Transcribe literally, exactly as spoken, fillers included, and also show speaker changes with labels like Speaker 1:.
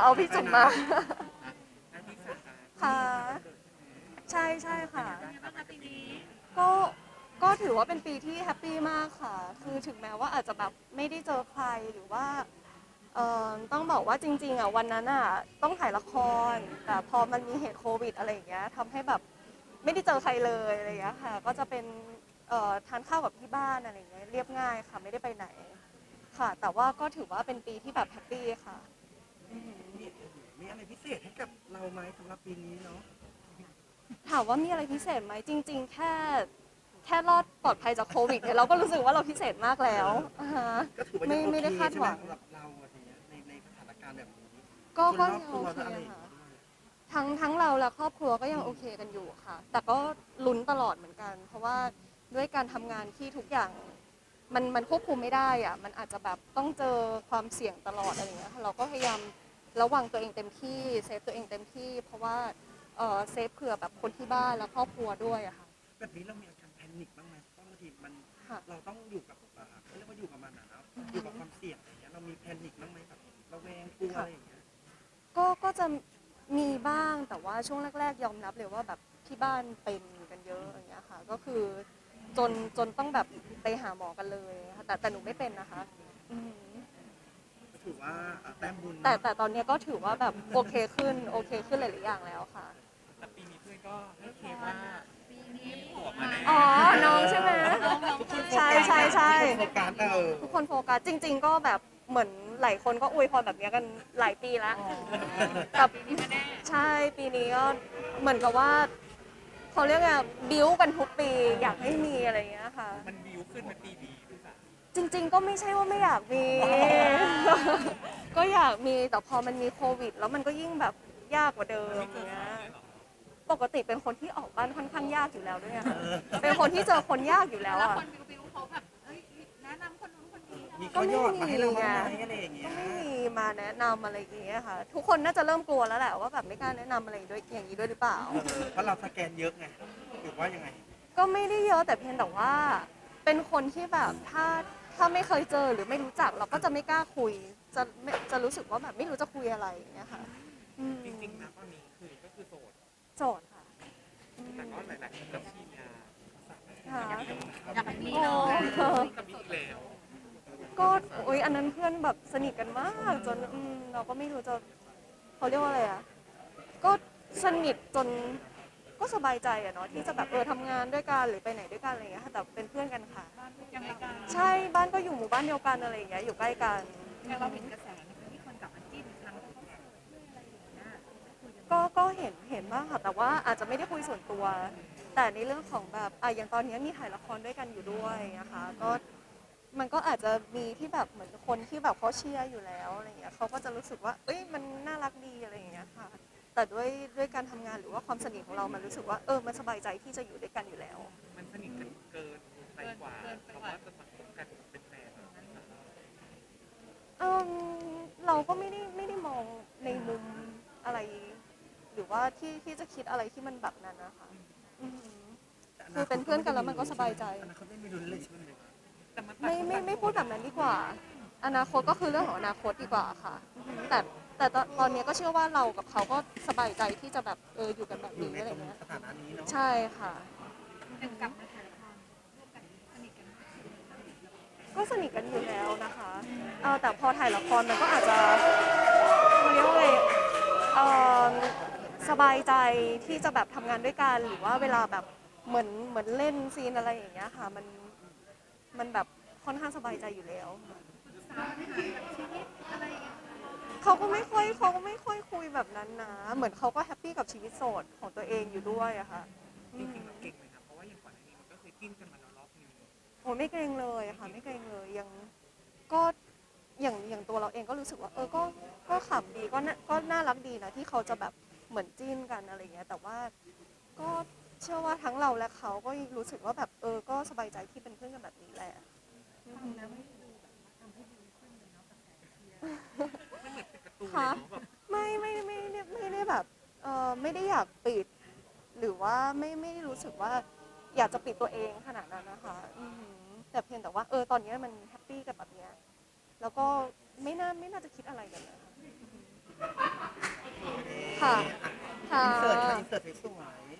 Speaker 1: เอาพี่จุ๋มมา
Speaker 2: อันที่สาม
Speaker 1: ค่ะใช่ใช่ค่ะ
Speaker 2: เป็นไงบ้างคะปีนี้
Speaker 1: ก็ก็ถือว่าเป็นปีที่แฮปปี้มากค่ะคือถึงแม้ว่าอาจจะแบบไม่ได้เจอใครหรือว่าเอ่อต้องบอกว่าจริงๆอ่ะวันนั้นอ่ะต้องถ่ายละครแต่พอมันมีเหตุโควิดอะไรอย่างเงี้ยทำให้แบบไม่ได้เจอใครเลยอะไรอย่างเงี้ยค่ะก็จะเป็นเอ่อทานข้าวกับที่บ้านอะไรอย่างเงี้ยเรียบง่ายค่ะไม่ได้ไปไหนค่ะแต่ว่าก็ถือว่าเป็นปีที่แบบแฮปปี้ค่ะอือหือ
Speaker 3: มีมีอะไรพิเศษให้กับเราไหมสำหรับปีนี้เนาะ
Speaker 1: ถามว่ามีอะไรพิเศษไหมจริงๆแค่แค่รอดปลอดภัยจากโควิดเนี่ยเราก็รู้สึกว่าเราพิเศษมากแล้วอ่าฮะ
Speaker 3: ก็ถือว่ายั
Speaker 1: ไม่
Speaker 3: งโอเค
Speaker 1: ไม่ได้คาด
Speaker 3: ใช่ไหม
Speaker 1: หวัง
Speaker 3: สำหรับเราอะไรเงี้ยในในสถานการณ์แบบนี้
Speaker 1: ก็
Speaker 3: คนรอบ
Speaker 1: ก็ยังโอเค
Speaker 3: ตัวและอะไรอย่าง
Speaker 1: ค่ะ
Speaker 3: เงี้ยด้วย
Speaker 1: ทั้งทั้งเราและครอบครัวก็ยังโอเคกันอยู่ค่ะแต่ก็ลุ้นตลอดเหมือนกันเพราะว่าด้วยการทำงานที่ทุกอย่างมันมันควบคุมไม่ได้อะมันอาจจะแบบต้องเจอความเสี่ยงตลอดอะไรอย่างเงี้ยค่ะเราก็พยายามระวังตัวเองเต็มที่เซฟตัวเองเต็มที่เพราะว่าเออเซฟเผื่อแบบคนที่บ้านและครอบครัวด้วยอะค่ะ
Speaker 3: แบบนี้เรามีอาการแพนิคบ้างไหมเพราะบางทีมัน
Speaker 1: ค่ะ
Speaker 3: เราต้องอยู่กับอ่าเขาเรียกว่าอยู่กับมันอะนะ
Speaker 1: อือฮึ
Speaker 3: อยู่กับความเสี่ยงอะไรเงี้ยเรามีแพนิคบ้างไหมแบบระแวงกลัวอะ
Speaker 1: ค่ะ
Speaker 3: ไรอย่างเงี้ย
Speaker 1: ก็ก็จะมีบ้างแต่ว่าช่วงแรกๆยอมรับเลยว่าแบบที่บ้านเป็นกันเยอะอย่างเงี้ยค่ะก็คือจนจนต้องแบบไปหาหมอกันเลยค่ะแต่แต่หนูไม่เป็นนะคะอืม
Speaker 3: ก็ถือว่าอ่าแต้มบุญ
Speaker 1: แต่
Speaker 3: เนาะ
Speaker 1: แต่ตอนเนี้ยก็ถือว่าแบบโอเคขึ้นโอเคขึ้นหลายๆอย่างแล้วค่ะ
Speaker 2: แต่ปีนี้เพื่อนก็ให้เคสว่าปีนี้บวกมาแน่
Speaker 1: อ๋อน้องใช่ไหมใช่ใช่ใช่
Speaker 3: ทุกคนโฟกัสเออ
Speaker 1: ทุกคนโฟกัสจริงๆก็แบบเหมือนหลายคนก็อวยพรแบบเนี้ยกันหลายปีแล้วกับใช่ปีนี้ก็เหมือนกับว่า เขาเรียกไงบิวกันทุกปีอยากให้มีอะไรอย่างเงี้ยค่ะ
Speaker 2: มันบิวขึ้นมาปีนี้พี่สาว
Speaker 1: จริงๆก็ไม่ใช่ว่าไม่อยากมี ก็อยากมีแต่พอมันมีโควิดแล้วมันก็ยิ่งแบบยากกว่าเดิม
Speaker 2: ไม่เกิ
Speaker 1: อย่างเงี้ย
Speaker 2: นฝันเลยเหรอ
Speaker 1: ปกติเป็นคนที่ออกบ้านค่อนข้างยากอยู่แล้วด้วยอะค่ะเป็นคนที่เจอคนยากอยู่แล้ว
Speaker 4: แล้ว
Speaker 1: อ่ะ
Speaker 4: คนบิวบิวเขาแบบเอ้ยแนะนำคนนู้นคนนี้
Speaker 3: มี
Speaker 1: ก็
Speaker 3: ข้อย
Speaker 1: ไม่
Speaker 3: อดมาให้เรา
Speaker 1: มีไง
Speaker 3: บ้างไหมอะไรอย่างเงี้
Speaker 1: ก็
Speaker 3: ย
Speaker 1: ไม่มีมาแนะนำอะไรอย่างเงี้ยค่ะทุกคนน่าจะเริ่มกลัวแล้วแหละว่าแบบไม่กล้าแนะนำอะไรด้วยอย่างนี้ด้วยหรือเปล่า
Speaker 3: เออเพราะเราสแกนเยอะไงหรือว่ายังไง
Speaker 1: ก็ไม่ได้เยอะแต่เพียงแต่ว่าเป็นคนที่แบบถ้าถ้าไม่เคยเจอหรือไม่รู้จักเราก็จะไม่กล้าคุยจะไม่จะรู้สึกว่าแบบไม่รู้จะคุยอะไรอย่างเงี้ยค่ะอืม
Speaker 2: จริงๆนะตอนนี้คือก็คือโสด
Speaker 1: โจทย์ค่ะอื
Speaker 2: แต่
Speaker 1: ม
Speaker 2: ก็หลายๆคนก็เชียร์
Speaker 1: ค่ะ
Speaker 4: อยากให้มี
Speaker 1: โอ้
Speaker 4: เนาะ
Speaker 2: จะมีอีกแล้ว
Speaker 1: ก็โอ๊ยอันนั้นเพื่อนแบบสนิทกันมากจนอืมเราก็ไม่รู้จะเขาเรียกว่าอะไรอ่ะก็สนิทจนก็สบายใจอะเนาะที่จะแบบเออทำงานด้วยกันหรือไปไหนด้วยกันอะไรอย่างเงี้ยค่ะแต่เป็นเพื่อนกันค่ะ
Speaker 4: ยังไงกัน
Speaker 1: ใช่บ้านก็อยู่หมู่บ้านเดียวกันอะไรอย่างเงี้ยอยู่ใกล้กัน
Speaker 4: แต่เราเห็นกระแสนะคะที่คนกลับมาจิ้นอีกครั้งที่เขาโสดด้วยอะไรอย่างเงี้ยคุยกัน
Speaker 1: ก็ก็เห็นเห็นบ้างค่ะแต่ว่าอาจจะไม่ได้คุยส่วนตัว แต่ในเรื่องของแบบอ่ะอย่างตอนนี้มีถ่ายละครด้วยกันอยู่ด้วยนะคะก็มันก็อาจจะมีที่แบบเหมือนคนที่แบบเขาเชียร์อยู่แล้วอะไรอย่างเงี้ยเขาก็จะรู้สึกว่าเอ้ยมันน่ารักดีอะไรอย่างเงี้ยค่ะแต่ด้วยด้วยการทำงานหรือว่าความสนิทของเรามันรู้สึกว่าเออมันสบายใจที่จะอยู่ด้วยกันอยู่แล้ว
Speaker 2: มันสนิทกันเกินไปกว่าคำว่าจะมาคบกันเป็นแฟนอะ
Speaker 1: เออเราก็ไม่ได้ไม่ได้มองในมุมอะไรหรือว่าที่ที่จะคิดอะไรที่มันแบบนั้นนะคะอือหือคือเป็นเพื่อนกันแล้วมันก็สบายใจ
Speaker 3: อนาคตไม่มีลุ้นเลยใช่ไหม
Speaker 2: แต่มันต่าง
Speaker 1: ไม่
Speaker 2: คน
Speaker 1: ไม่ไม่พูด
Speaker 2: ต่างโสด
Speaker 1: แบบนั้นดีกว่าอนาคตก็คือเรื่องของอนาคตดีกว่าค่ะอือหือแต่แต่ตอนตอนนี้ก็เชื่อว่าเรากับเขาก็สบายใจที่จะแบบเอออยู่กันแบบ
Speaker 3: อยู่ใน
Speaker 1: นี้อะไร
Speaker 3: ตรง
Speaker 1: เงี้ย
Speaker 3: สถานะนี้เนาะ
Speaker 1: ใช่ค่ะ
Speaker 4: ยังกลับมาถ่ายละครร่วมกันสนิทกัน
Speaker 1: ก็สนิทกันอยู่แล้วนะคะเออแต่พอถ่ายละครมันก็อาจจะเขาเรียกว่าไงเออสบายใจที่จะแบบทำงานด้วยกันหรือว่าเวลาแบบเหมือนเหมือนเล่นซีนอะไรอย่างเงี้ยค่ะมันมันแบบค่อนข้างสบายใจอยู่แล้วเขาก็ไม่ค่อยเขาก็ไม่ค่อยคุยแบบนั้นนะเหมือนเขาก็แฮปปี้กับชีวิตโสดของตัวเองอยู่ด้วยอะค่ะ
Speaker 2: จ
Speaker 1: อืม
Speaker 2: ริงๆเราเก่งไหมครับเพราะว่าอย่างก่อนหน้านี้มันก็เคยจิ้นกันมาแล้วรอบนึง
Speaker 1: โอ้ไม่เกรงเลยอะค่ะไม่เกรงเลยยังก็อย่างอย่างตัวเราเองก็รู้สึกว่าเออก็ก็ขำดีก็น่าก็น่ารักดีนะที่เขาจะแบบเหมือนจิ้นกันอะไรเงี้ยแต่ว่าก็เชื่อว่าทั้งเราและเขาก็รู้สึกว่าแบบเออก็สบายใจที่เป็นเพื่อนกันแบบนี้แหละอืม
Speaker 2: มันเหมือนเป็นการ์ตูนเลย
Speaker 1: คะ
Speaker 2: เนาะแบบ
Speaker 1: ไม่ไม่ไม่ไม่ไม่ได้แบบเออไม่ได้อยากปิดหรือว่าไม่ไม่ได้รู้สึกว่าอยากจะปิดตัวเองขนาดนั้นนะคะอือหือแต่เพียงแต่ว่าเออตอนนี้มันแฮปปี้กับแบบเนี้ยแล้วก็ไม่น่าไม่น่าจะคิดอะไรกันนะคะค่ะ ค่ะ
Speaker 3: อินเสิร์ตค่ะอินเสิร์ตสวย